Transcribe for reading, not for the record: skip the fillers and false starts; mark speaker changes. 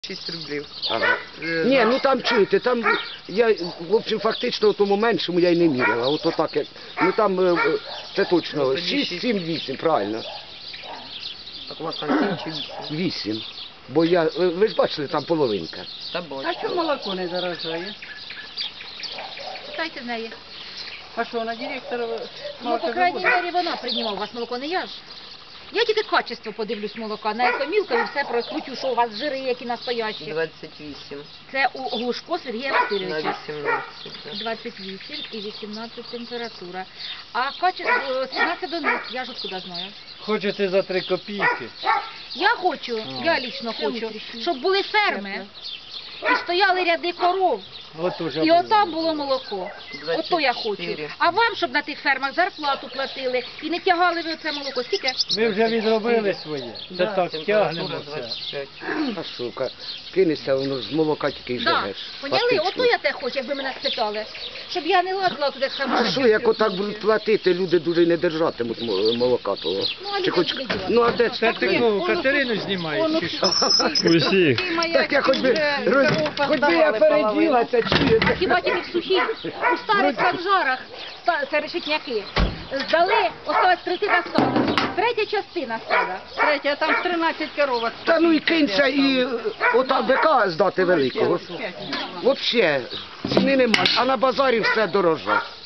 Speaker 1: 6 рублів.
Speaker 2: Ага. Ні, ну там чуєте, там я, в общем, фактично у тому меншому я й не міряла. От отак, як, ну там це точно 6, 7, 8, правильно.
Speaker 1: Так у вас там 7 чи 8?
Speaker 2: 8. Бо я, ви ж бачили, там половинка.
Speaker 1: Та бачу.
Speaker 3: А чому молоко не дорожає?
Speaker 4: Питайте з неї.
Speaker 3: А що, на директора
Speaker 4: Ну, по крайній мірі, вона приймала у вас молоко, не я ж. Я тільки качество подивлюсь молока, на екомілку і все прокручу, що у вас жири, які настоящі.
Speaker 1: 28.
Speaker 4: Це у Глушко Сергія
Speaker 1: На
Speaker 4: Васильовича.
Speaker 1: 18.
Speaker 4: 28 і 18 температура. А качество 17 до них, я ж откуда знаю.
Speaker 5: Хочете за 3 копійки?
Speaker 4: Я хочу, я лічно хочу, щоб були ферми і стояли ряди коров.
Speaker 5: От уже
Speaker 4: І отам було молоко.
Speaker 1: 24.
Speaker 4: Ото я хочу. А вам, щоб на тих фермах зарплату платили і не тягали ви оце молоко. Скільки?
Speaker 5: Ми вже відробили своє. Це так тягнемо
Speaker 1: Температура
Speaker 5: це.
Speaker 1: 25.
Speaker 2: А сука, кинешся, воно з молока тільки й
Speaker 4: Да.
Speaker 2: живеш.
Speaker 4: Поняли?
Speaker 2: Фактично.
Speaker 4: Ото я те хочу, якби мене спитали. Щоб я не лазила туди саме.
Speaker 2: А що, як отак будуть платити, люди дуже й не держатимуть молока того.
Speaker 4: Ну, а
Speaker 2: Чи
Speaker 4: люди
Speaker 2: хоч...
Speaker 4: куди дівати?
Speaker 2: Ну, а де
Speaker 5: Це
Speaker 2: це?
Speaker 5: ти кого, Катерину знімаєш чи що?
Speaker 6: Усіх.
Speaker 2: Так я хоч би я переділа це, чуєте?
Speaker 4: Хіба тільки в сухій, у старих санжарах, решетняки, здали, осталась третина стада. Третя частина стада.
Speaker 3: Третя, там 13 коровок.
Speaker 2: Та ну і кинься, і отак бика здати великого. Взагалі, ціни нема, а на базарі все дороже.